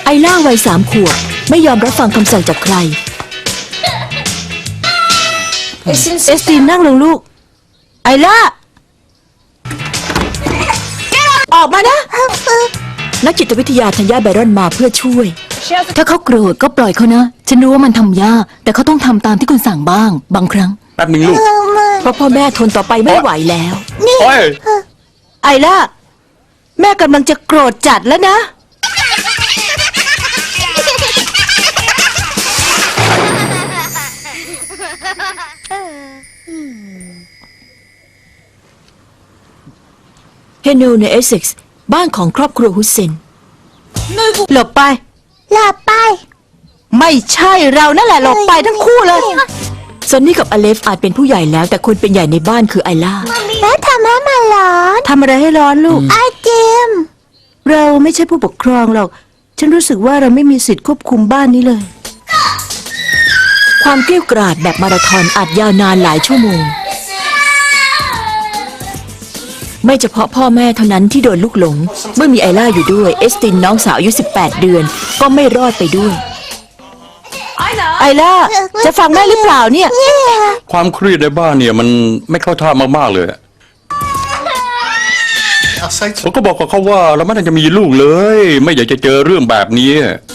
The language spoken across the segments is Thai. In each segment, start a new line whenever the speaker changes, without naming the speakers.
ไอล่าวัย3 ขวบไม่ยอมรับฟังคำสั่งจากใครเอสตินนั่งลงลูกไอล่าออกมานะนักจิตวิทยาธัญญาไบรอนมาเพื่อช่วย
ถ้าเขาโกรธก็ปล่อยเขานะฉันรู้ว่ามันทำยากแต่เขาต้องทำตามที่คุณสั่งบ้างบางครั้ง
แป๊บหนึ่งลูก
เพราะพ่อแม่ทนต่อไปไม่ไหวแล้ว
โอ้ย
ไอล่าแม่กำลังจะโกรธจัดแล้วนะเฮโนในเอสเซ็กซ์บ้านของครอบครัวฮุสเซนหลบไปไม่ใช่เรานั่นแหละหลบไปทั้งคู่เลยซอนนี่กับอเลฟอาจเป็นผู้ใหญ่แล้วแต่คนเป็นใหญ่ในบ้านคือไอล่า
แล้วทำให้มันร้อน
ทำอะไรให้ร้อนลูก
ไอติม
เราไม่ใช่ผู้ปกครองหรอกฉันรู้สึกว่าเราไม่มีสิทธิ์ควบคุมบ้านนี้เลยความเกลี้ยกล่อมแบบมาราธอนอาจยาวนานหลายชั่วโมงไม่เฉพาะพ่อแม่เท่านั้นที่โดนลูกหลงเมื่อมีไอล่าอยู่ด้วยเอสตินน้องสาวอายุ18 เดือนก็ไม่รอดไปด้วยไอล่าจะฟังแม่หรือเปล่าเนี่ย
ความเครียดในบ้านเนี่ยมันไม่เข้าท่ามากๆเลยผมก็บอกกับเขาว่าเราไม่น่าจะมีลูกเลยไม่อยากจะเจอเรื่องแบบนี้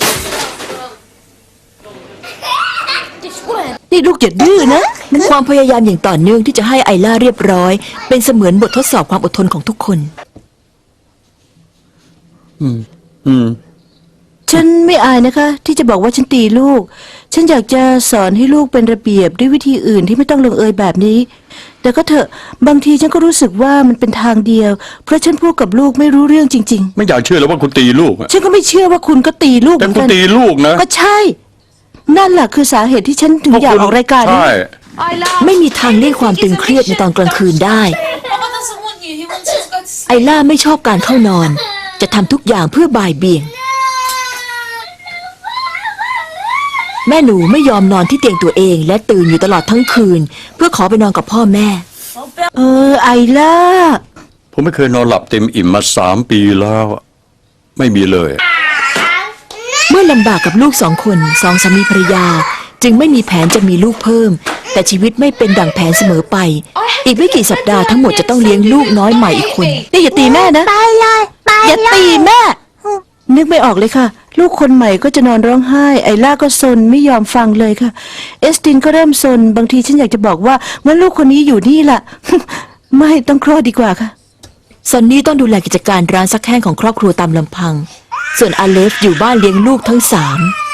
นี่ลูกอย่าดื้อนะความพยายามอย่างต่อเนื่องที่จะให้ไอล่าเรียบร้อยเป็นเสมือนบททดสอบความอดทนของทุกคนฉันไม่อายนะคะที่จะบอกว่าฉันตีลูกฉันอยากจะสอนให้ลูกเป็นระเบียบด้วยวิธีอื่นที่ไม่ต้องลงเอยแบบนี้แต่ก็เถอะบางทีฉันก็รู้สึกว่ามันเป็นทางเดียวเพราะฉันพูดกับลูกไม่รู้เรื่องจริง
ๆไม่อยากเชื่อเลยว่าคุณตีลูก
ฉันก็ไม่เชื่อว่าคุณก็ตีลูก
แต่คุณตีลูกนะ
ก็ใช่นั่นแหละคือสาเหตุที่ฉันถึงอยากออกรายการนี้ไม่มีทางเลี่ยงความตึงเครียดในตอนกลางคืนได้ไอล่าไม่ชอบการเข้านอนจะทำทุกอย่างเพื่อบ่ายเบี่ยงแม่หนูไม่ยอมนอนที่เตียงตัวเองและตื่นอยู่ตลอดทั้งคืนเพื่อขอไปนอนกับพ่อแม่ไอล่า
ผมไม่เคยนอนหลับเต็มอิ่มมา3 ปีแล้วไม่มีเลย
เมื่อลำบากกับลูก2 คน2 สามีภรรยาจึงไม่มีแผนจะมีลูกเพิ่มแต่ชีวิตไม่เป็นดั่งแผนเสมอไปอีกไม่กี่สัปดาห์ทั้งหมดจะต้องเลี้ยงลูกน้อยใหม่อีกคนนี่อย่าตีแม่นะ
ไปเลย
อย่าตีแม่นึกไม่ออกเลยค่ะลูกคนใหม่ก็จะนอนร้องไห้ไอล่าก็ซนไม่ยอมฟังเลยค่ะเอสตินก็เริ่มซนบางทีฉันอยากจะบอกว่างั้นลูกคนนี้อยู่นี่ล่ะ ไม่ต้องคลอดดีกว่าค่ะซอนนี่ต้องดูแลกิจการร้านซักแห้งของครอบครัวตามลำพังส่วนอาเลฟอยู่บ้านเลี้ยงลูกทั้ง3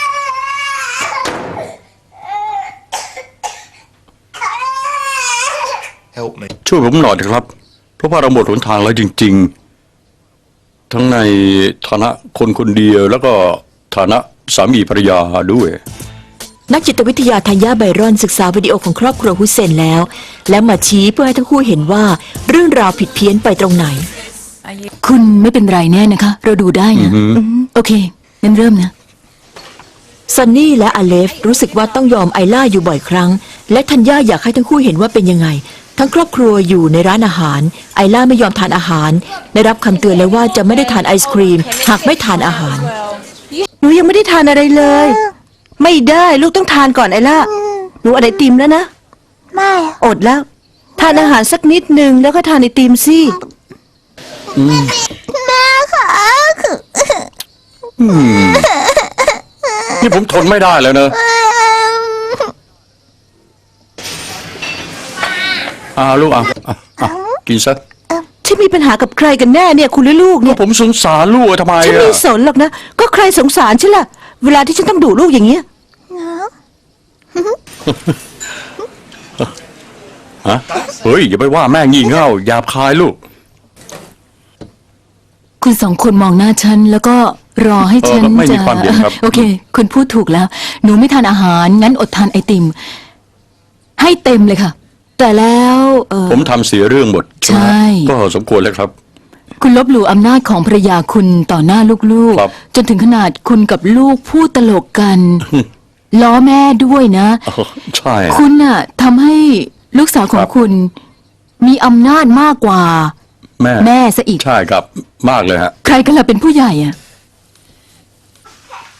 ช่วยผมหน่อยเถอะครับเพราะว่าเราหมดหนทางแล้วจริงๆทั้งในฐานะคนคนเดียวแล้วก็ฐานะสามีภรรยาด้วย
นักจิตวิทยาธัญญาไบรอนศึกษาวิดีโอของครอบครัวฮุสเซนแล้วมาชี้เพื่อให้ทั้งคู่เห็นว่าเรื่องราวผิดเพี้ยนไปตรงไหน
คุณไม่เป็นไรแน่นะคะเราดูได้นะโอเคงั้นเริ่มนะ
ซันนี่และอเลฟรู้สึกว่าต้องยอมไอล่าอยู่บ่อยครั้งและธัญญาอยากให้ทั้งคู่เห็นว่าเป็นยังไงทั้งครอบครัวอยู่ในร้านอาหารไอล่าไม่ยอมทานอาหารได้รับคำเตือนแล้วว่าจะไม่ได้ทานไอศครีมหากไม่ทานอาหารหนูยังไม่ได้ทานอะไรเลยไม่ได้ลูกต้องทานก่อนไอล่าหนูอะไรติมแล้วนะ
ไม่
อดแล้วทานอาหารสักนิดนึงแล้วก็ทานไอติมสิ
แม่ค่ะ
นี่ผมทนไม่ได้แล้วเนอะลูกกินซะ
ฉันมีปัญหากับใครกันแน่เนี่ยคุณหรือลูกเนี่ย
ผมสงสารลูกทำไม
ฉันไม่สนหรอกนะก็ใครสงสารฉันล่ะเวลาที่ฉันต้องดุลูกอย่างเงี้ย
เฮ้ยอย่าไปว่าแม่งี่เง่าหยาบคายลูก
คุณ2 คนมองหน้าฉันแล้วก็รอให้ฉัน
ไม่มีความเย็นครับ
โอเคคุณพูดถูกแล้วหนูไม่ทานอาหารงั้นอดทานไอติมให้เต็มเลยค่ะแต่แล้ว
ผมทำเสียเรื่องหมดใช่ก็สมควรแล้วครับ
คุณลบหลู่อำนาจของภรรยาคุณต่อหน้าลูกๆจนถึงขนาดคุณกับลูกพูดตลกกันล้อแม่ด้วยนะ
ใช่
คุณน่ะทำให้ลูกสาวของคุณมีอำนาจมากกว่าแม่ซะอีก
ใช่ครับมากเลยฮะ
ใครกันล่ะเป็นผู้ใหญ่อะ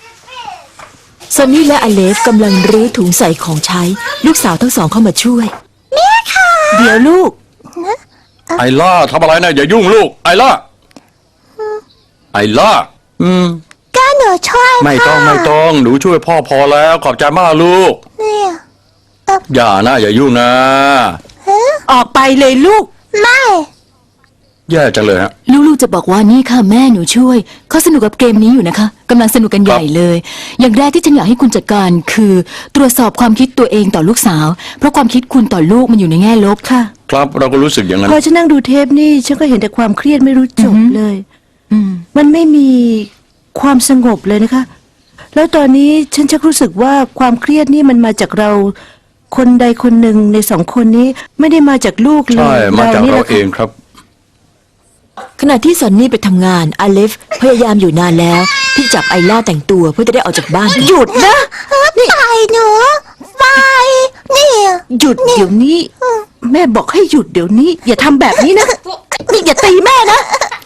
ซันนี่และอเลฟกำลังรื้อถุงใส่ของใช้ ลูกสาวทั้งสองเข้ามาช่วย
เดี๋ยวลูก
ไอล่าทำอะไรนะอย่ายุ่งลูก ไอล่า ไอล่า
ก็หนูช่วย
ไม่ต้อง
ค่ะ
ไม่ต้องหนูช่วยพ่อพอแล้วขอบใจมากลูก
เนี่ย
อย่านะอย่ายุ่งนะ
ออกไปเลยลูก
ไม่
แย่จังเลยฮะ
ลูกๆจะบอกว่านี่ค่ะแม่หนูช่วยเขาสนุกกับเกมนี้อยู่นะคะกำลังสนุกกันใหญ่เลย อย่างแรกที่ฉันอยากให้คุณจัดการคือ ตรวจสอบความคิดตัวเองต่อลูกสาว เพราะความคิดคุณต่อลูกมันอยู่ในแง่ลบค่ะ
ครับเราก็รู้สึกอย่างนั้น
พอฉันนั่งดูเทปนี่ฉันก็เห็นแต่ความเครียดไม่รู้จบเลย
อืม
มันไม่มีความสงบเลยนะคะ แล้วตอนนี้ฉันชักรู้สึกว่าความเครียดนี่มันมาจากเรา คนใดคนหนึ่งในสองคนนี้ไม่ได้มาจากลูกเล
ใช่
ย
มาจาก
นี่แห
เรา
ละ
เอ
ค่ะ
งครับ
ขณะที่ซันนี่ไปทำงานอเลฟพยายามอยู่นานแล้ว ที่จับไอล่าแต่งตัวเพื่อจะได้ออกจากบ้าน
หยุดนะ
ไปหนูไปเนี่ย
หยุดเดี๋ยวนี้ แม่บอกให้หยุดเดี๋ยวนี้ อย่าทำแบบนี้นะนี่อย่าตีแม่นะ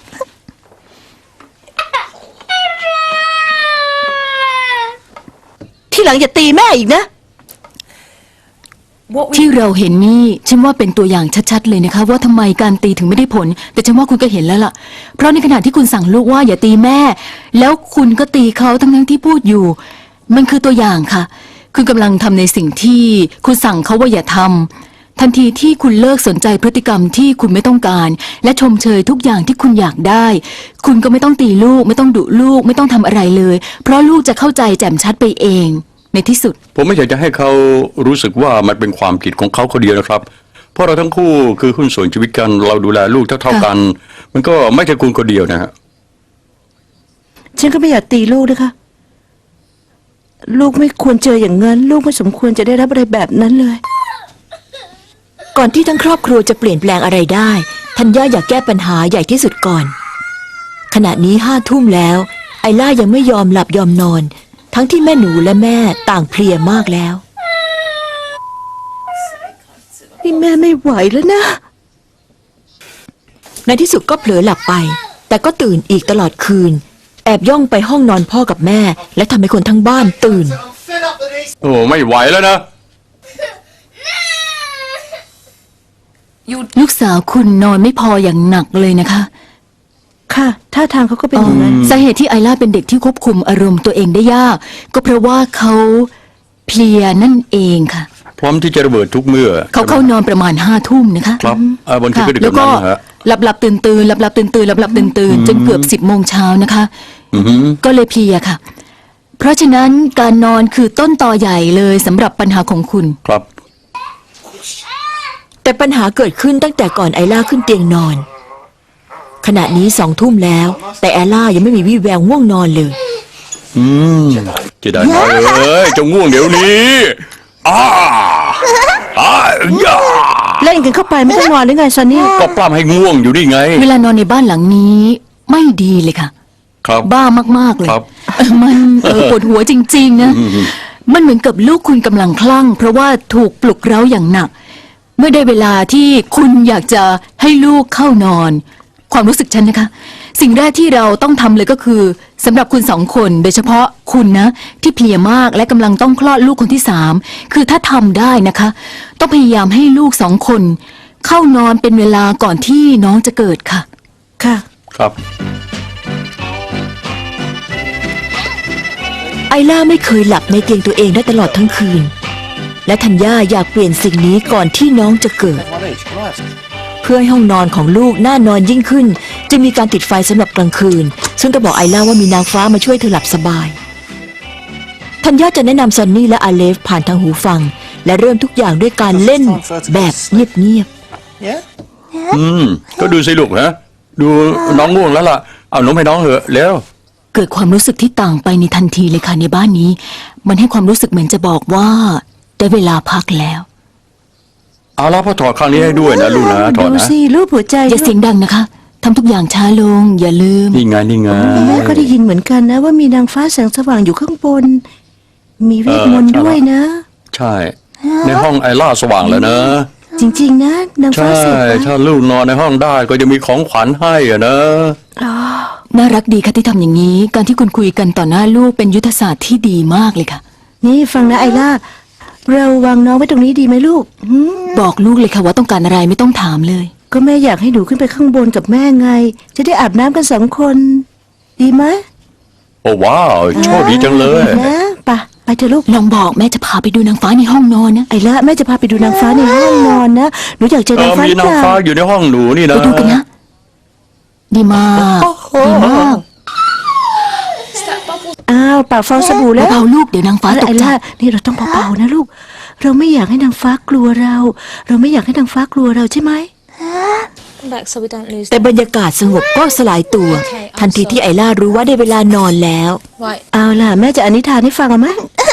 ที่หลังอย่าตีแม่อีกนะ
ที่เราเห็นนี่ฉันว่าเป็นตัวอย่างชัดๆเลยนะคะ ว่าทำไมการตีถึงไม่ได้ผล แต่ฉันว่าคุณก็เห็นแล้วล่ะ เพราะในขณะที่คุณสั่งลูกว่าอย่าตีแม่ แล้วคุณก็ตีเขาทั้งๆที่พูดอยู่ มันคือตัวอย่างค่ะ คุณกำลังทำในสิ่งที่คุณสั่งเขาว่าอย่าทำทันทีที่คุณเลิกสนใจพฤติกรรมที่คุณไม่ต้องการ และชมเชยทุกอย่างที่คุณอยากได้ คุณก็ไม่ต้องตีลูก ไม่ต้องดุลูก ไม่ต้องทำอะไรเลย เพราะลูกจะเข้าใจแจ่มชัดไปเอง ในที่สุด
ผมไม่อยากจะให้เขารู้สึกว่ามันเป็นความผิดของเขาคนเดียวนะครับ เพราะเราทั้งคู่คือหุ้นส่วนชีวิตกันเราดูแลลูกเท่าๆกัน มันก็ไม่ใช่คุณคนเดียวนะฮะ
ฉันก็ไม่อยากตีลูกนะคะ ลูกไม่ควรเจออย่างนั้น ลูกไม่สมควรจะได้รับอะไรแบบนั้นเลย
ก่อนที่ทั้งครอบครัวจะเปลี่ยนแปลงอะไรได้ธัญญาอยากแก้ปัญหาใหญ่ที่สุดก่อน ขณะนี้5 ทุ่มแล้ว ไอล่ายังไม่ยอมหลับยอมนอน ทั้งที่แม่หนูและแม่ต่างเพลียมากแล้ว
นี่แม่ไม่ไหวแล้วนะ
ในที่สุดก็เผลอหลับไป แต่ก็ตื่นอีกตลอดคืน แอบย่องไปห้องนอนพ่อกับแม่ และทำให้คนทั้งบ้านตื่น
โอ้ไม่ไหวแล้วนะ
ลูกสาวคุณนอนไม่พออย่างหนักเลยนะคะ
ค่ะท่าทางเขาก็เป็นอย่างนั้น
สาเหตุที่ไอล่าเป็นเด็กที่ควบคุมอารมณ์ตัวเองได้ยาก ก็เพราะว่าเขาเพลียนั่นเองค่ะ
พร้อมที่จะระเบิดทุกเมื่อ
เขาเข้านอนประมาณ5 ทุ่มนะคะ
ครับบางที
ค่ะ
ก็ดึก
แล้ว
แบบ
ก็
นั้นนะฮะ
หลับตื่นตื่นหลับตื่นตื่นหลับตื่นตื่นจนเกือบ10 โมงเช้านะคะ
อือหือ
ก็เลยเพลียค่ะ เพราะฉะนั้นการนอนคือต้นตอใหญ่เลยสำหรับปัญหาของคุณ
ครับ
แต่ปัญหาเกิดขึ้นตั้งแต่ก่อนไอล่าขึ้นเตียงนอน ขณะนี้2 ทุ่มแล้ว แต่ไอล่ายังไม่มีวี่แววง่วงนอนเลย
จะได้น้อยเอ้ยจงง่วงเดี๋ยวนี้ย่า
เล่นกันเข้าไปไม่ต้องนอนหรือไงซันนี่
ก็ปล้ำให้ง่วงอยู่นี่ไง
เวลานอนในบ้านหลังนี้ไม่ดีเลยค่ะ
ครับ
บ้ามากๆเลย
ครับ
มันปวดหัวจริงๆนะ มันเหมือนกับลูกคุณกำลังคลั่ง เพราะว่าถูกปลุกเร้าอย่างหนัก เมื่อได้เวลาที่คุณอยากจะให้ลูกเข้านอน ความรู้สึกฉันนะคะ สิ่งแรกที่เราต้องทำเลยก็คือสำหรับคุณ2 คน โดยเฉพาะคุณนะ ที่เพลียมากและกำลังต้องคลอดลูกคนที่3คือถ้าทำได้นะคะ ต้องพยายามให้ลูก2 คน เข้านอนเป็นเวลาก่อนที่น้องจะเกิดค่ะ
ค่ะ
ครับ
ไอล่าไม่เคยหลับในเตียงตัวเองได้ตลอดทั้งคืน และธัญญาอยากเปลี่ยนสิ่งนี้ก่อนที่น้องจะเกิด เพื่อให้ห้องนอนของลูกน่านอนยิ่งขึ้น จะมีการติดไฟสำหรับกลางคืน ซึ่งต้องบอกไอล่าว่ามีนางฟ้ามาช่วยเธอหลับสบายธัญญาจะแนะนำซันนี่และอาเลฟผ่านทางหูฟัง และเริ่มทุกอย่างด้วยการเล่นแบบเงียบ
ก็ดูสิลูกนะดูน้องง่วงแล้วล่ะเอานมให้น้องเถอะแล้ว
เกิดความรู้สึกที่ต่างไปในทันทีเลยค่ะในบ้านนี้ มันให้ความรู้สึกเหมือนจะบอกว่าได้เวลาพักแล้ว
เอาละพ่อถอดข้างนี้ให้ด้วยนะลูกนะถอด
ดู
นะ
สิรูปหัวใจ
อย่าเสียงดังนะคะทำทุกอย่างช้าลง อย่าลืม
นี่ไงนี่ไง
แม่ก็ได้ยินเหมือนกันนะ ว่ามีนางฟ้าแสงสว่างอยู่ข้างบน มีเวทมนต์ด้วยนะ
ใช่ ในห้องไอล่าสว่างแล้วนะ
จริงๆนะนางฟ้า
ใช่
สวย
ถ้าลูกนอนในห้องได้ก็จะมีของขวัญให้อะนะ
น่ารักดีค่ะที่ทำอย่างนี้ การที่คุณคุยกันต่อหน้าลูกเป็นยุทธศาสตร์ที่ดีมากเลยค่ะ
นี่ฟังนะไอล่า เราวางน้องไว้ตรงนี้ดีไหมลูกหืม
บอกลูกเลยค่ะว่าต้องการอะไรไม่ต้องถามเลย
ก็แม่อยากให้หนูขึ้นไปข้างบนกับแม่ไง จะได้อาบน้ำกัน2 คน ดีไหม
โอ้ว้าวโชคดีจังเลย
นะไปเถอะลูก
ลองบอกแม่จะพาไปดูนางฟ้าในห้องนอนนะ
ไอ้ละแม่จะพาไปดูนางฟ้าในห้องนอนนะหนูอยากเจอนางฟ้าห
มี
รือเป
นาง
ล่า
ฟ้าอยู่ในห้องหนูนี่นะ
ไปดูกันนะ ดีมากดีมาก
อ้าวปากฟองสบู่แล้ว
เบาๆลูกเดี๋ยวนางฟ้าตก
ไอ้
ใจ
ละนี่เราต้องเบาๆนะลูก เราไม่อยากให้นางฟ้ากลัวเรา เราไม่อยากให้นางฟ้ากลัวเราใช่ไหม
back so we don't lose
แต่บรรยากาศสงบก็สลายตัว ทันทีที่ไอล่ารู้ว่าได้เวลานอนแล้ว
right
เอาล่ะแม่จะอนิทานให้ฟังเอาไหม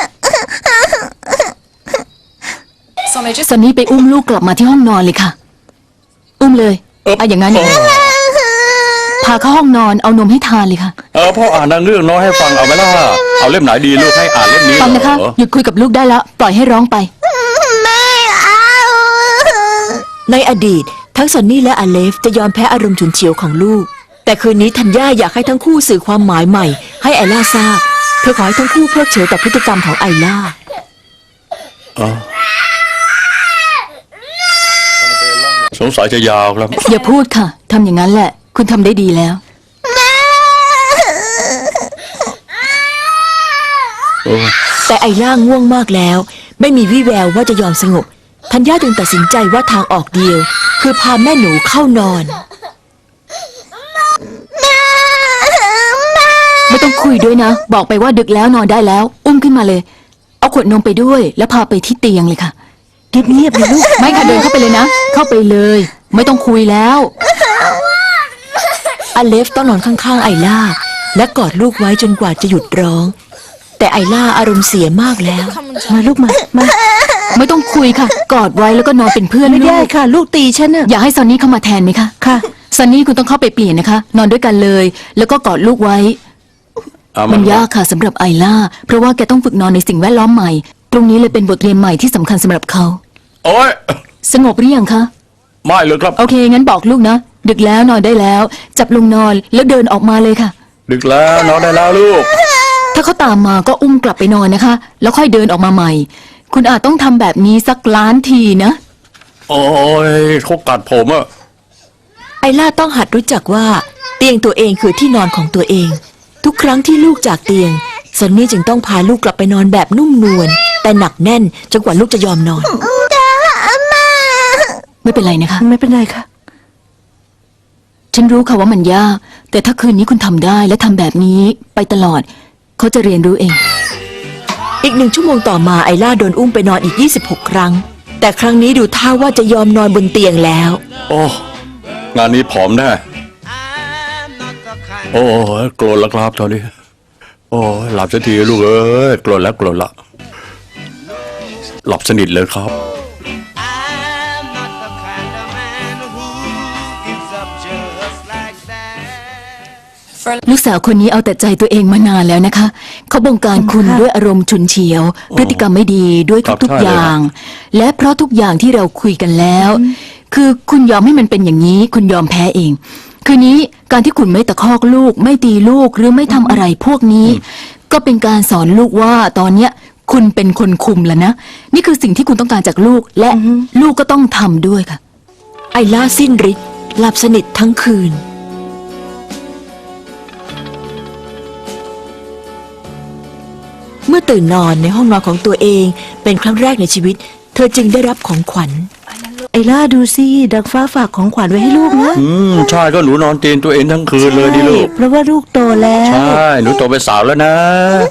ซันนี่ไปอุ้มลูกกลับมาที่ห้องนอนเลยค่ะ อุ้มเลยอย่างนั้นพาเข้าห้องนอนเอานมให้ทานเลยค่ะ
พ่ออ่านหนังเรื่องน้อยให้ฟังเอาไหมล่ะเอาเล่มไหนดีลูกให้อ่านเล่มนี้
ฟังนะคะ
เหรอ
หยุดคุยกับลูกได้แล้ว ปล่อยให้ร้องไป
ไม่เอา
ในอดีต ทั้งซอนนี่และอเลฟจะยอมแพ้อารมณ์ฉุนเฉียวของลูก แต่คืนนี้ธัญญาอยากให้ทั้งคู่สื่อความหมายใหม่ ให้ไอล่าทราบเธอขอให้ทั้งคู่เพิกเฉยต่อพฤติกรรมของไอล่า
สงสัยจะยาวครับ
อย่าพูดค่ะทำอย่างนั้นแหละ คุณทำได้ดีแล้ว
แต่ไอล่าง่วงมากแล้ว ไม่มีวี่แววว่าจะยอมสงบธัญญาจึงตัดสินใจว่าทางออกเดียว คือพาแม่หนูเข้านอน
ไม่ต้องคุยด้วยนะ บอกไปว่าดึกแล้วนอนได้แล้ว อุ้มขึ้นมาเลย เอาขวดนมไปด้วย แล้วพาไปที่เตียงเลยค่ะ
เงียบๆเลยลูก
ไม่ค่ะเดินเข้าไปเลยนะ เข้าไปเลย ไม่ต้องคุยแล้ว
อเลฟต้องนอนข้างๆไอล่า และกอดลูกไว้จนกว่าจะหยุดร้อง แต่ไอล่าอารมณ์เสียมากแล้ว
มาลูกมา
ไม่ต้องคุยค่ะ กอดไว้แล้วก็นอนเป็นเพื่อน
ไม่
ลู
ได้
ก
ค่ะ ลูกตีฉันน่ะ
อยากให้ซอนนี่เข้ามาแทนไหมคะ
ค่ะ
ซันนี่คุณต้องเข้าไปเปลี่ยนนะคะ นอนด้วยกันเลย แล้วก็กอดลูกไว้ มันยากค่ะสำหรับไอล่า เพราะว่าแกต้องฝึกนอนในสิ่งแวดล้อมใหม่ ตรงนี้เลยเป็นบทเรียนใหม่ที่สำคัญสำหรับเขา
โอ้ย
สงบหรือยังคะ
ไม่เลยครับ
โอเค งั้นบอกลูกนะ ดึกแล้วนอนได้แล้ว จับลงนอนแล้วเดินออกมาเลยค่ะ
ดึกแล้วนอนได้แล้วลูก
ถ้าเขาตามมาก็อุ้มกลับไปนอนนะคะ แล้วค่อยเดินออกมาใหม่ คุณอาจต้องทำแบบนี้สักล้านทีนะ
โอ้ยเขากัดผมอะ
ไอล่าต้องหัดรู้จักว่า เตียงตัวเองคือที่นอนของตัวเอง ทุกครั้งที่ลูกจากเตียงซอนนี่จึงต้องพาลูกกลับไปนอนแบบนุ่มนวลแต่หนักแน่นจนกว่าลูกจะยอมนอน
ไม่เป็นไรนะคะ
ไม่เป็นไรค่ะ
ฉันรู้ค่ะว่ามันยาก แต่ถ้าคืนนี้คุณทำได้และทำแบบนี้ไปตลอด เขาจะเรียนรู้เอง
อีก1 ชั่วโมงต่อมาไอล่าโดนอุ้มไปนอนอีก26 ครั้ง แต่ครั้งนี้ดูท่าว่าจะยอมนอนบนเตียงแล้ว
โอ้งานนี้ผอมแน่โอ้ยโกรธแล้วครับตอนนี้ โอ้ยหลับสักทีลูกเอ้ยโกรธแล้วโกรธละหลับสนิทเลยครับ
I'm not the kind of man who gives up just like that.
ลูกสาวคนนี้เอาแต่ใจตัวเองมานานแล้วนะคะ เขาบงการคุณ
ค่ะ
ด้วยอารมณ์ฉุนเฉียว พฤติกรรมไม่ดีด้วย
ครับ
ทุก
ใช่
ๆ
เลย
อย่าง และเพราะทุกอย่างที่เราคุยกันแล้ว คือคุณยอมให้มันเป็นอย่างนี้ คุณยอมแพ้เอง คืนนี้การที่คุณไม่ตะคอกลูก ไม่ตีลูกหรือไม่ทำอะไรพวกนี้ ก็เป็นการสอนลูกว่าตอนเนี้ยคุณเป็นคนคุมแล้วนะ นี่คือสิ่งที่คุณต้องการจากลูก และลูกก็ต้องทำด้วยค่ะ
ไอล่าสิ้นฤทธิ์หลับสนิททั้งคืน เมื่อตื่นนอนในห้องนอนของตัวเองเป็นครั้งแรกในชีวิต เธอจึงได้รับของขวัญ
ไอ้ล่าดูสิดังฟ้าฝากของขวัญไว้ให้ลูกนะ
ใช่ก็หนูนอนเตียงตัวเองทั้งคืนเลยดิลูก
เพราะว่าลูกโตแล้ว
ใช่หนูโตเป็นสาวแล้วนะ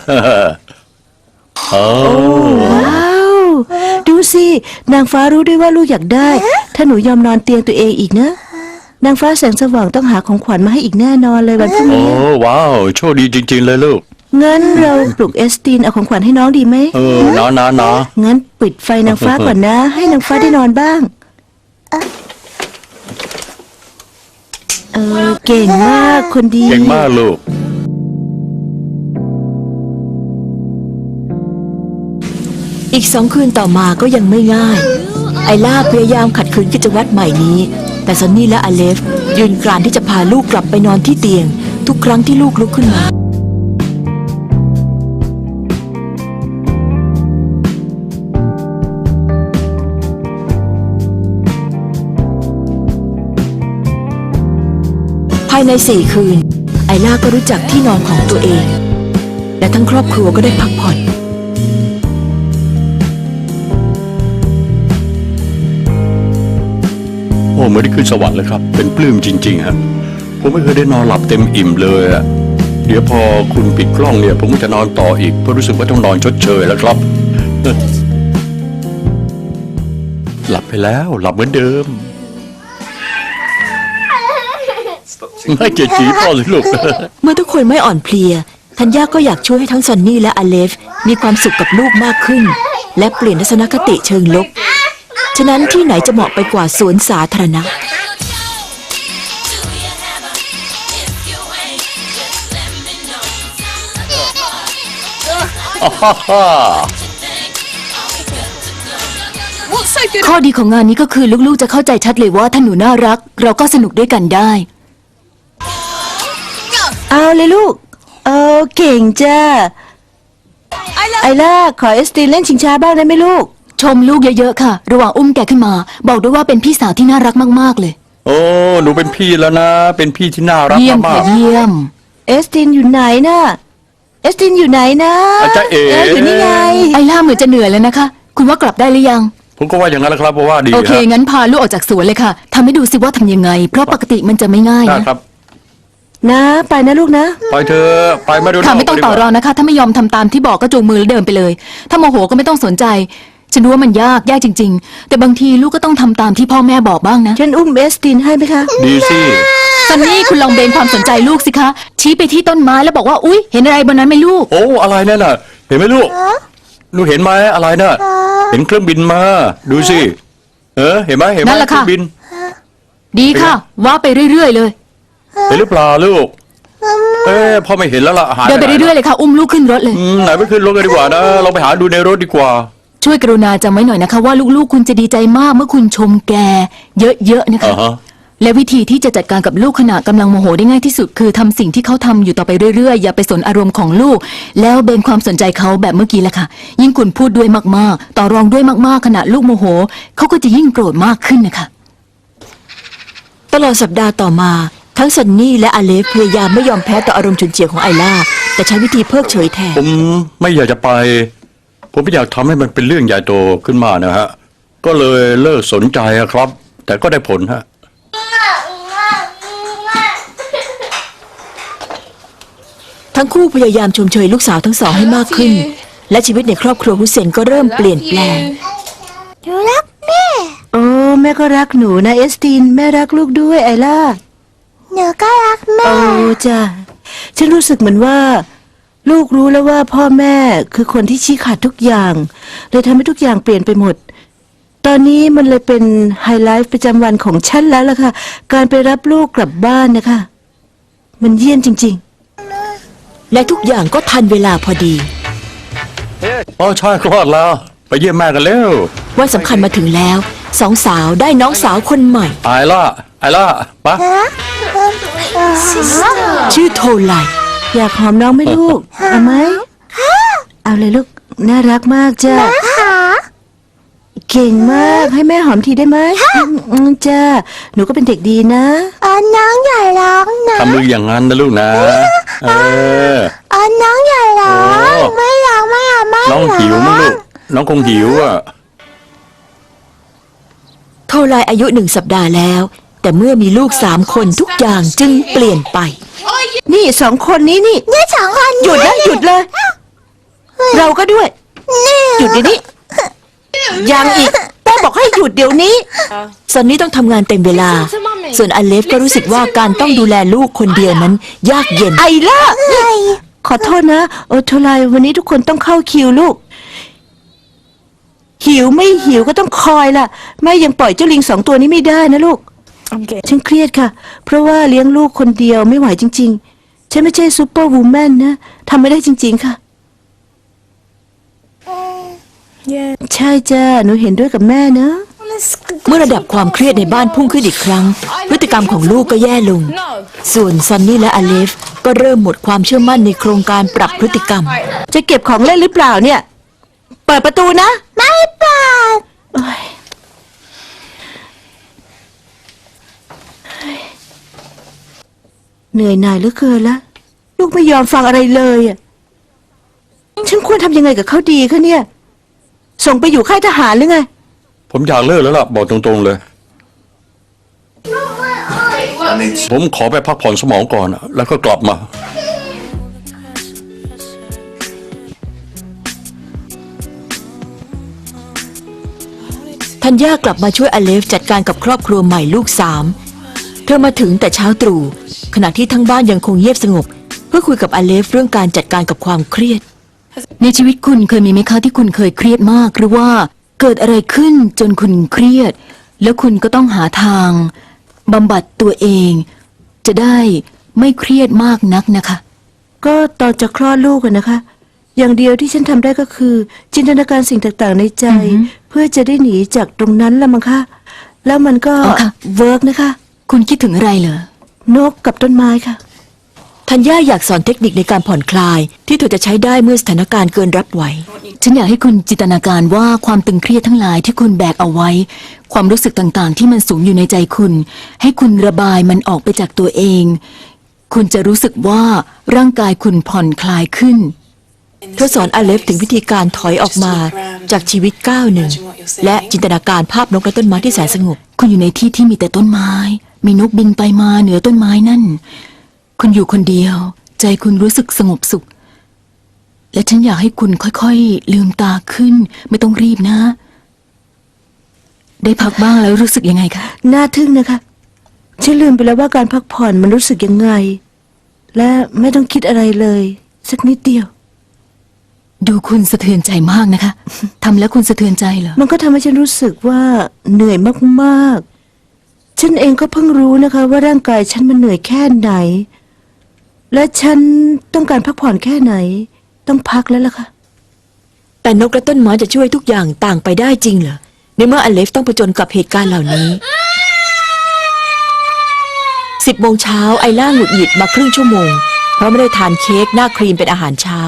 เออ
ว้าว ดูสินางฟ้ารู้ด้วยว่าลูกอยากได้ ถ้าหนูยอมนอนเตียงตัวเองอีกนะ นางฟ้าแสงสว่างต้องหาของขวัญมาให้อีกแน่นอนเลยวันพรุ่ง
โอ้
นี้
ว้าวโชคดีจริง ๆ เลยลูก
งั้นเราปลุกเอสตินเอาของขวัญให้น้องดีไหม
นะ
งั้นปิดไฟนางฟ้าก่อนนะ ให้นางฟ้าได้นอนบ้าง เก่งมากคนดี
เก่งมากลูก
อีก2 คืนต่อมาก็ยังไม่ง่าย ไอล่าพยายามขัดขืนกิจวัตรใหม่นี้ แต่ซอนนี่และอเลฟยืนกรานที่จะพาลูกกลับไปนอนที่เตียง ทุกครั้งที่ลูกลุกขึ้นมาายใน4 คืน ไอล่าก็รู้จักที่นอนของตัวเอง และทั้งครอบครัวก็ได้พักผ่อน
โอ้เหมือนได้ขึ้นสวรรค์เลยครับ เป็นปลื้มจริงๆฮะผมไม่เคยได้นอนหลับเต็มอิ่มเลยอะเดี๋ยวพอคุณปิดกล้องเนี่ย ผมก็จะนอนต่ออีกเพราะรู้สึกว่าต้องนอนชดเชยแล้วครับ หลับไปแล้วหลับเหมือนเดิม ไม่เกลียดจีพ่อเลยลูก
เมื่อทุกคนไม่อ่อนเพลีย ธัญญาก็อยากช่วยให้ทั้งซอนนี่และอเลฟมีความสุขกับลูกมากขึ้น และเปลี่ยนทัศนคติเชิงลบ ฉะนั้นที่ไหนจะเหมาะไปกว่าสวนสาธารณะ
ข้อดีของงานนี้ก็คือลูกๆจะเข้าใจชัดเลยว่าถ้าหนูน่ารัก เราก็สนุกด้วยกันได้
เอาเลยลูกเก่งจ้าไอล่าขอเอสตินเล่นชิงช้าบ้างได้ไหมลูก
ชมลูกเยอะๆค่ะ ระหว่างอุ้มแกขึ้นมา บอกด้วยว่าเป็นพี่สาวที่น่ารักมากๆเลย
โอ้หนูเป็นพี่แล้วนะ เป็นพี่ที่น่ารัก
เยี่ยม
มา
ค่ะ
ก
เยี่ยม
เอสตินอยู่ไหนนะเอสตินอยู่ไหนนะ
อาจารย์เอ๋
อยู่นี่ไง
ไอล่าเหมือนจะเหนื่อยแล้วนะคะ คุณว่ากลับได้หรือยัง
ผมก็ว่าอย่างนั้นแหละครับเพราะว่าดี
โอเค
ฮะ
งั้นพาลูกออกจากสวนเลยค่ะทำให้ดูสิว่าทำยังไง เพราะปกติมันจะไม่ง่าย
ได้
นะครับ
นะไปนะลูกนะ
ไปเธอะไปไม่ดู
ค่ะไม่ต้องต่อรองนะคะ ถ้าไม่ยอมทำตามที่บอกก็จูงมือแล้วเดินไปเลย ถ้าโมโหก็ไม่ต้องสนใจ ฉันรู้ว่ามันยากจริง ๆ แต่บางทีลูกก็ต้องทำตามที่พ่อแม่บอกบ้างนะ
ฉันอุ้มเอสตินให้ไหมคะ
ดีสิ
ซันนี่คุณลองเบนความสนใจลูกสิคะ ชี้ไปที่ต้นไม้แล้วบอกว่าอุ๊ย เห็นอะไรบนนั้นไหมลูก
โอ้อะไรนั่นน่ะ เห็นไหมลูกลูกเห็นไหมอะไรน่ะ เห็นเครื่องบินมา ดูสิเห็นไหมเห็นไหม
นั่นแหละ
เครื่
ค่ะ
องบิน
ดีค่ะ ว่าไปเรื่อยๆเลย
เห็นหรือเปล่าลูกพ่อไม่เห็นแล้วล่ะหาย
เดินไปเรื่อยๆเลยค่ะ อุ้มลูกขึ้นรถเลย
ไหนไปขึ้นรถกันดีกว่านะเราไปหาดูในรถดีกว่า
ช่วยกรุณาจำไว้หน่อยนะคะว่าลูกๆ คุณจะดีใจมากเมื่อคุณชมแก เยอะๆนะคะ
อ่าฮะ
และวิธีที่จะจัดการกับลูกขณะกำลังโมโหได้ง่ายที่สุดคือทำสิ่งที่เขาทำอยู่ต่อไปเรื่อยๆ อย่าไปสนอารมณ์ของลูก แล้วเบนความสนใจเขาแบบเมื่อกี้แหละค่ะ ยิ่งคุณพูดด้วยมากๆ ต่อรองด้วยมากๆ ขณะลูกโมโหเขาก็จะยิ่งโกรธมากขึ้นนะคะ
ตลอดสัปดาห์ต่อมา ทั้งซันนี่และอเลฟพยายามไม่ยอมแพ้ต่ออารมณ์ฉุนเฉียวของไอล่า แต่ใช้วิธีเพิกเฉยแทน
ผมไม่อยากจะไป ผมไม่อยากทำให้มันเป็นเรื่องใหญ่โตขึ้นมานะฮะ ก็เลยเลิกสนใจอะครับ แต่ก็ได้ผลฮะ
ทั้งคู่พยายามชมเชยลูกสาวทั้งสองให้มากขึ้น และชีวิตในครอบครัวฮุเซนก็เริ่มเปลี่ยนแปลง
หนูรักแม่
โอ้แม่ก็รักหนูนะเอสตินแม่รักลูกด้วยไอล่า
หนูก็รักแม่
โอ้จ้ะฉันรู้สึกเหมือนว่า ลูกรู้แล้วว่าพ่อแม่คือคนที่ชี้ขาดทุกอย่าง เลยทำให้ทุกอย่างเปลี่ยนไปหมด ตอนนี้มันเลยเป็นไฮไลท์ประจำวันของฉันแล้วล่ะค่ะ การไปรับลูกกลับบ้านนะคะ มันเยี่ยมจริง
และทุกอย่างก็ทันเวลาพอดี
อ๋อใช่คลอดแล้ว ไปเยี่ยมแม่กันเร็ว
วันสำคัญมาถึงแล้วสองสาวได้น้องสาวคนใหม่
ไอล่าปะ
ชื่อโทไล
ๆ อยากหอมน้องไหมลูกเอาไหมเอาเลยลูกน่ารักมากจ้ะ
ค่ะ
เก่งมากให้แม่หอมทีได้ไหมจ้าหนูก็เป็นเด็กดีนะ
น้องอย่าร้องนะ
ทำมืออย่างนั้นนะลูกนะ
น้องอย่าร้อง
โอ้
ไม่ร้องไม่เอาไม่
น้อง
ร้อง
หิวมั้งลูก น้องคงหิวอ่ะ
โทไลอายุ1 สัปดาห์แล้ว แต่เมื่อมีลูก3 คนทุกอย่างจึงเปลี่ยนไป
นี่สองคนนี้นี่
นี่สองคน
หยุดนะหยุดเลย เราก็ด้วย
นี่
หยุดเดี๋ยวนี้ยังอีกแม่บอกให้หยุดเดี๋ยวนี้
ซันนี่ต้องทำงานเต็มเวลา ส่วนอเลฟก็รู้สึกว่าการต้องดูแลลูกคนเดียวนั้น ยากเย็น
ไอ้ล่ะขอโทษนะโทไลวันนี้ทุกคนต้องเข้าคิวลูก หิวไม่หิวก็ต้องคอยล่ะแม่ยังปล่อยเจ้าลิง2 ตัวนี้ไม่ได้นะลูกฉันเครียดค่ะ เพราะว่าเลี้ยงลูกคนเดียวไม่ไหวจริงๆฉันไม่ใช่ซูเปอร์วูแมนนะทำไม่ได้จริงๆค่ะ ใช่จ้าหนูเห็นด้วยกับแม่นะ
เมื่อระดับความเครียดในบ้านพุ่งขึ้นอีกครั้ง พฤติกรรมของลูกก็แย่ลง ส่วนซันนี่และอเลฟก็เริ่มหมดความเชื่อมั่นในโครงการปรับพฤติกรรม
จะเก็บของเล่นหรือเปล่าเนี่ย เปิดประตูนะ
ไม่เปิด
โอ๊ยเหนื่อยหน่ายเหลือเกินละลูกไม่ยอมฟังอะไรเลยอ่ะฉันควรทำยังไงกับเขาดีคะเนี่ย ส่งไปอยู่ค่ายทหารหรือไง
ผมอยากเลิกแล้วล่ะบอกตรงๆเลย ผมขอไปพักผ่อนสมองก่อนอะแล้วก็กลับมา
ธัญญากลับมาช่วยอเลฟจัดการกับครอบครัวใหม่ลูก3 เธอมาถึงแต่เช้าตรู่ขณะที่ทั้งบ้านยังคงเงียบสงบ เพื่อคุยกับอเลฟเรื่องการจัดการกับความเครียด
ในชีวิตคุณเคยมีไหมคะที่คุณเคยเครียดมาก หรือว่าเกิดอะไรขึ้นจนคุณเครียด แล้วคุณก็ต้องหาทางบำบัดตัวเอง จะได้ไม่เครียดมากนักนะคะ
ก็ตอนจะคลอดลูกอะนะคะ อย่างเดียวที่ฉันทำได้ก็คือ จินตนาการสิ่งต่างๆในใจ เพื่อจะได้หนีจากตรงนั้นละมั้งคะแล้วมันก็
อ๋อค่ะ
เวิร์กนะคะ
คุณคิดถึงอะไรเหรอ
นกกับต้นไม้ค่ะ
ธัญญาอยากสอนเทคนิคในการผ่อนคลาย ที่เธอจะใช้ได้เมื่อสถานการณ์เกินรับไหว
ฉันอยากให้คุณจินตนาการว่าความตึงเครียดทั้งหลายที่คุณแบกเอาไว้ ความรู้สึกต่างๆ ที่มันสูงอยู่ในใจคุณ ให้คุณระบายมันออกไปจากตัวเอง คุณจะรู้สึกว่าร่างกายคุณผ่อนคลายขึ้น
เธอสอนอเลฟถึงวิธีการถอยออกมาจากชีวิตก้าวหนึ่งและจินตนาการภาพนกและต้นไม้ที่แสนสงบ
คุณอยู่ในที่ที่มีแต่ต้นไม้ มีนกบินไปมาเหนือต้นไม้นั่น คุณอยู่คนเดียว ใจคุณรู้สึกสงบสุข และฉันอยากให้คุณค่อยๆลืมตาขึ้น ไม่ต้องรีบนะ ได้พักบ้างแล้วรู้สึกยังไงคะ
น่าทึ่งนะคะ ฉันลืมไปแล้วว่าการพักผ่อนมันรู้สึกยังไง และไม่ต้องคิดอะไรเลย สักนิดเดียว
ดูคุณสะเทือนใจมากนะคะทำแล้วคุณสะเทือนใจเหรอ
มันก็ทำให้ฉันรู้สึกว่าเหนื่อยมากๆ ฉันเองก็เพิ่งรู้นะคะ ว่าร่างกายฉันมันเหนื่อยแค่ไหน และฉันต้องการพักผ่อนแค่ไหน ต้องพักแล้วล่ะค่ะ
แต่นกและต้นไม้จะช่วยทุกอย่างต่างไปได้จริงเหรอในเมื่ออเลฟต้องผจญกับเหตุการณ์เหล่านี้ 10 โมงเช้าไอล่าหงุดหงิดมาครึ่งชั่วโมงเพราะไม่ได้ทานเค้กหน้าครีมเป็นอาหารเช้า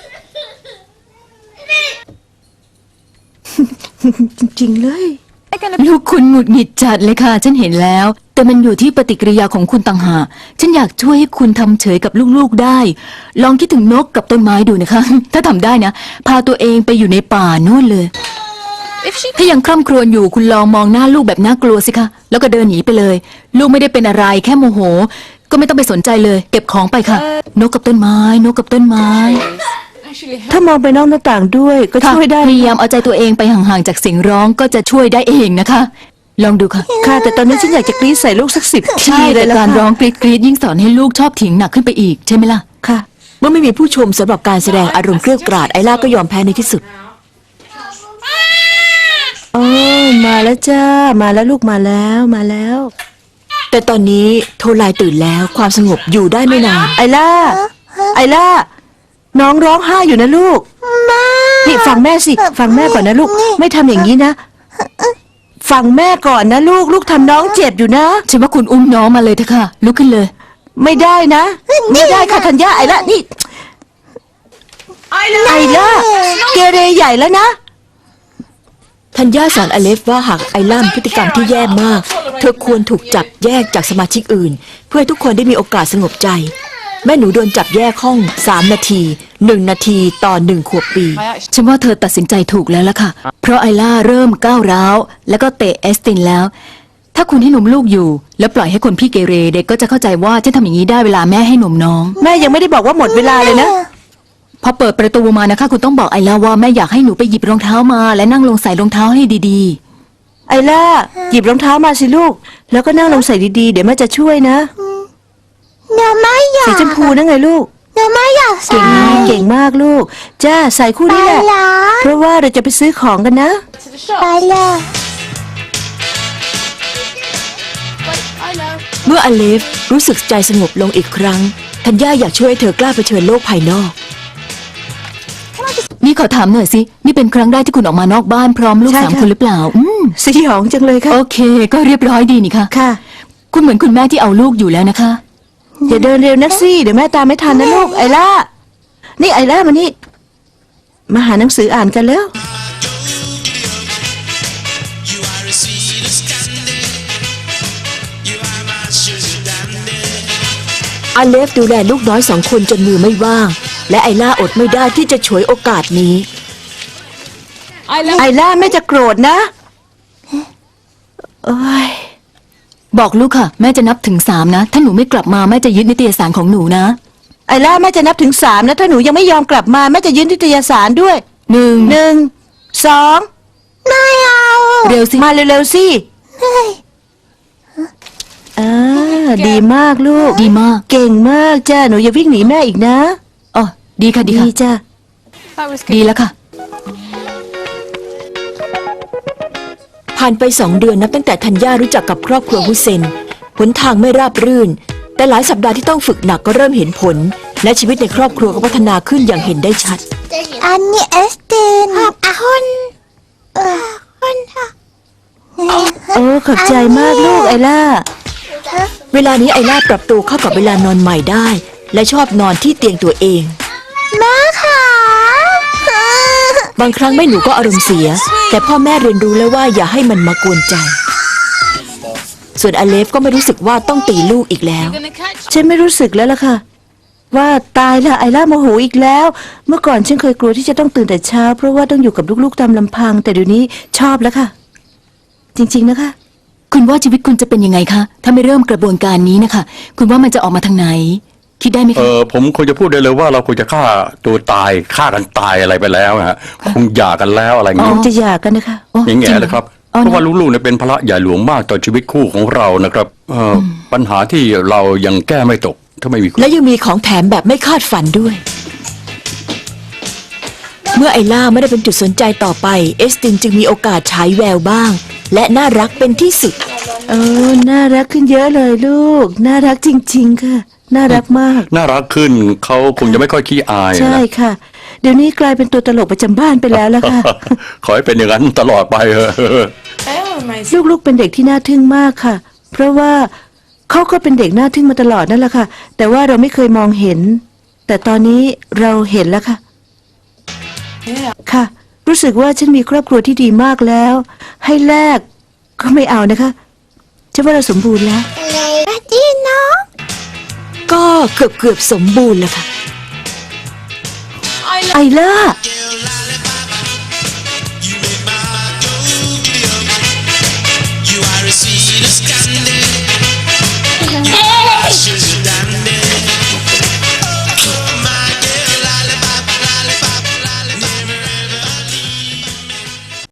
จริงๆเลย
ลูกคุณหงุดหงิดจัดเลยค่ะ ฉันเห็นแล้ว แต่มันอยู่ที่ปฏิกิริยาของคุณต่างหากฉันอยากช่วยให้คุณทำเฉยกับลูกๆได้ ลองคิดถึงนกกับต้นไม้ดูนะคะ ถ้าทำได้นะ พาตัวเองไปอยู่ในป่านู่นเลย ถ้ายังคร่ำครวญอยู่คุณลองมองหน้าลูกแบบน่ากลัวสิคะแล้วก็เดินหนีไปเลย ลูกไม่ได้เป็นอะไรแค่โมโห ก็ไม่ต้องไปสนใจเลย เก็บของไปค่ะ นกกับต้นไม้ นกกับต้นไม้
ถ้ามองไปนอกหน้าต่างด้วยก็
ค่ะ
ช่วยได้
พยายามเอาใจตัวเองไปห่างๆจากเสียงร้องก็จะช่วยได้เองนะคะ ลองดูค่ะ
ค่ะ แต่ตอนนี้ฉันอยากจะกรี๊ดใส่ลูกสัก10 ที
ใช่
เล
แต่
ยละ
การ
ค่ะ
ร้องกรีดกรีดยิ่งสอนให้ลูกชอบถิงหนักขึ้นไปอีกใช่ไหมล่ะ
ค่ะ
เมื่อไม่มีผู้ชมสำหรับการแสดงอารมณ์เกรี้ยวกราดไอล่าก็ยอมแพ้ในที่สุด
โอ้มาแล้วจ้า มาแล้วลูกมาแล้วมาแล้ว
แต่ตอนนี้โทลายตื่นแล้วความสงบอยู่ได้ไม่นาน
ไอล่า ไอล่า น้องร้องไห้อยู่นะลูก นี่ฟังแม่สิ ฟังแม่ก่อนนะลูก ไม่ทำอย่างนี้นะ ฟังแม่ก่อนนะลูก ลูกทำน้องเจ็บอยู่นะ
ฉันว่าคุณอุ้มน้องมาเลยเถอะค่ะลุกขึ้นเลย
ไม่ได้นะ ไม่ได้ค่ะธัญญาไอล่านี่ ไอล่า เกเรใหญ่แล้วนะ
ธัญญาสอนอเลฟว่าหากไอล่ามีพฤติกรรมที่แย่มาก เธอควรถูกจับแยกจากสมาชิกอื่น เพื่อให้ทุกคนได้มีโอกาสสงบใจ แม่หนูโดนจับแยกห้อง3 นาที 1 นาทีต่อ1 ขวบปี
ฉันว่าเธอตัดสินใจถูกแล้วล่ะค่ะ เพราะไอล่าเริ่มก้าวร้าวแล้วก็เตะเอสตินแล้ว ถ้าคุณให้นมลูกอยู่ แล้วปล่อยให้คนพี่เกเรเด็กก็จะเข้าใจว่าฉันทำอย่างนี้ได้เวลาแม่ให้นมน้อง
แม่ยังไม่ได้บอกว่าหมดเวลาเลยนะ
พอเปิดประตูมานะคะ คุณต้องบอกไอล่าว่าแม่อยากให้หนูไปหยิบรองเท้ามา และนั่งลงใส่รองเท้าให้ดี
ไอล่า หยิบรองเท้ามาสิลูก แล้วก็นั่งลงใส่ดีๆ เดี๋ยวแม่จะช่วยนะ
หนูไม่อยาก
สีชมพูนั่นไงลูก
หนูไม่อยากใส่
เก่งมากเก่งมากลูก จ้าใส่คู่นี้แหละ
ไปเหรอ
เพราะว่าเราจะไปซื้อของกันนะ
ไปเลย
เมื่ออเลฟรู้สึกใจสงบลงอีกครั้งธัญญาอยากช่วยให้เธอกล้าเผชิญโลกภายนอก
ๆ นี่ขอถามหน่อยสิ นี่เป็นครั้งแรกที่คุณออกมานอกบ้านพร้อมลูก
ใช่
3
ค่ะ
คนหรือเปล่า
สยองจังเลยค่ะ
โอเค ก็เรียบร้อยดีนี่ค่ะ
ค่ะ
คุณเหมือนคุณแม่ที่เอาลูกอยู่แล้วนะคะ
อย่าเดินเร็วนักสิเดี๋ยวแม่ตามไม่ทันนะลูก ไอล่า นี่ไอล่ามานี่ มาหาหนังสืออ่านกันแล้ว
You are as sweet as candy. You are my sugar dandy.
อาเลฟดูแลลูกน้อย2 คนจนมือไม่ว่าง และไอล่าอดไม่ได้ที่จะฉวยโอกาสนี้
ไอล่าแม่จะโกรธนะโอ้ย
บอกลูกค่ะ แม่จะนับถึง3นะถ้าหนูไม่กลับมาแม่จะยึดนิตยสารของหนูนะ
ไอล่าแม่จะนับถึง3นะถ้าหนูยังไม่ยอมกลับมาแม่จะยืนนิตยสารด้วย
1
2
ไม่เอา
เร็วสิ
มาเร็วๆสิดีมากลูก
ดีมาก
เก่งมากจ้าหนูอย่าวิ่งหนีแม่อีกนะ
อ๋อดีค่ะดี
ดี
ค่ะ
จ้า
ดีแล้วค่ะ
ผ่านไป2 เดือนนับตั้งแต่ธัญญารู้จักกับครอบครัวฮุเซนหนทางไม่ราบรื่น แต่หลายสัปดาห์ที่ต้องฝึกหนักก็เริ่มเห็นผล และชีวิตในครอบครัวก็พัฒนาขึ้นอย่างเห็นได้ชัด
อันนี้เอสตินขอบคุณคุณค่ะ
โอ้ขอบใจมากลูกไอล่า
เวลานี้ไอล่าปรับตัวเข้ากับเวลานอนใหม่ได้ และชอบนอนที่เตียงตัวเอง
แม่ค่ะ
บางครั้งแม่หนูก็อารมณ์เสีย แต่พ่อแม่เรียนรู้แล้วว่าอย่าให้มันมากวนใจ ส่วนอเลฟก็ไม่รู้สึกว่าต้องตีลูกอีกแล้ว
ฉันไม่รู้สึกแล้วล่ะค่ะ ว่าตายละไอล่าโมโหอีกแล้ว เมื่อก่อนฉันเคยกลัวที่จะต้องตื่นแต่เช้า เพราะว่าต้องอยู่กับลูกๆตามลำพัง แต่เดี๋ยวนี้ชอบแล้วค่ะ จริงๆนะคะ
คุณว่าชีวิตคุณจะเป็นยังไงคะถ้าไม่เริ่มกระบวนการนี้นะคะ คุณว่ามันจะออกมาทางไหน คิดได้ไหมคะ
ผมคงจะพูดได้เลยว่าเราควรจะฆ่าตัวตายฆ่ากันตายอะไรไปแล้วฮะคงหย่ากันแล้วอะไรอย่าง
ค
เงี้
ง
ย
จะหย่ากันนะคะ
โอ้
อย่าง
จ
เงี้
ริ
ย
งเห
เลยครับ
อ๋อ
เพราะว่าลูกๆเนี่ยเป็นภาระใหญ่หลวงมากต่อชีวิตคู่ของเรานะครับปัญหาที่เรายังแก้ไม่ตกถ้าไม่มีคุณ
และยังมีของแถมแบบไม่คาดฝันด้วย เมื่อไอล่าไม่ได้เป็นจุดสนใจต่อไป เอสตินจึงมีโอกาสฉายแววบ้าง และน่ารักเป็นที่สุด
น่ารักขึ้นเยอะเลยลูก น่ารักจริง ๆ ค่ะ น่ารักมาก
น่ารักขึ้นเขาคงจะไม่ค่อยขี้อาย
ใช่
นะ
ค่ะ เดี๋ยวนี้กลายเป็นตัวตลกประจำบ้านไปแล้วล่ะค่ะ
ขอให้เป็นอย่างนั้นตลอดไปเถอะ
ลูกๆเป็นเด็กที่น่าทึ่งมากค่ะ เพราะว่าเขาก็เป็นเด็กน่าทึ่งมาตลอดนั่นแหละค่ะ แต่ว่าเราไม่เคยมองเห็น แต่ตอนนี้เราเห็นแล้วค่ะ ค่ะ รู้สึกว่าฉันมีครอบครัวที่ดีมากแล้ว ให้แลกก็ไม่เอานะคะฉันว่าเราสมบูรณ์แล้ว
เลยดีเนาะ
ก็เกือบสมบูรณ์แล้วค่ะ
ไอล่า
You are a sweet Scandinavian